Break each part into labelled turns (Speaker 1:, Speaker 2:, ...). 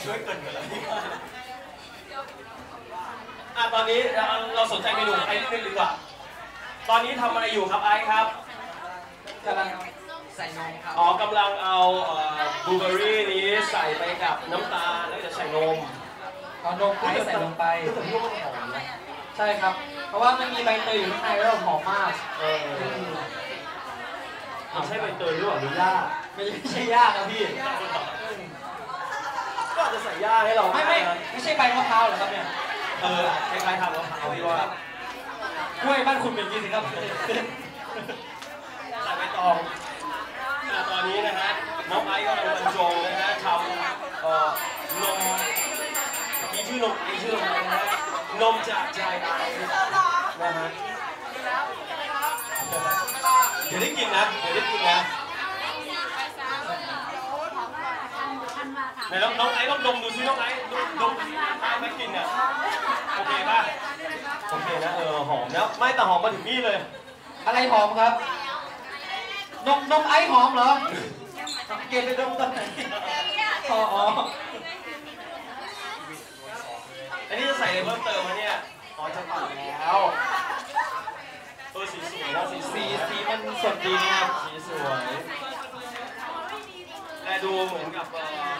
Speaker 1: ช่วยเกินกันเลยตอนนี้เราสนใจเมนูไอซ์นิดนึงดีกว่าตอนนี้ทำอะไรอยู่ครับไอซ์ครับ
Speaker 2: กำลังใส่นมครับ
Speaker 1: กำลังเอาบลูเบอร์รี่นี้ใส่ไปกับน้ำตาลแล้วจะใส่นม
Speaker 2: เอานมไอซ์ใส่ลงไปใช่ครับเพราะว่ามันมีใบเตยอยู่ข้างในแล้วหอมมาก
Speaker 1: ใช่ใบเตยหรือเปล่าหรือย่า
Speaker 2: ไม่ใช่ย่าครับพี่
Speaker 1: ก็อาจจะใส่ย่าให้เรา
Speaker 2: ไม่ใช่ใบมะพร้าวเหรอครับเนี่ย
Speaker 1: คล้ายๆทำมะพร้าวที่ว่
Speaker 2: ากล้วยบ้านคุณเป็นยี่สิครับ
Speaker 1: ใส่ใบตองตอนนี้นะฮะน้องไอซ์ก็กำลังบรรจงนะฮะทำนมมีชื่อนมไอชื่อนมอะไรนะฮะนมจากใจไอนะฮะเดี๋ยวได้กินนะไหนน้องไอซ์ต้องดมดูซิน้องไอซ์ดมตามไม่กินอ่ะโอเคป่ะโอเคนะหอมแล้วไม่แต่หอมมาถึงนี่เลย
Speaker 2: อะไรหอมครับนมไอซ์หอมเหรอเกณฑ์ไปดมตอนไหน
Speaker 1: อันนี้จะใส่อะไรเพิ่มเติมมาเนี่ยจะปั่นแล้วสีสวยนะ
Speaker 2: สีมันสดดีนะครับ
Speaker 1: สีสวยแต่ดูเหมือนกับ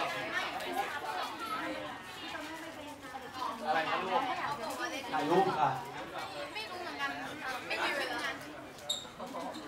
Speaker 1: อะไรนะลูกถ่ายรูปค่ะ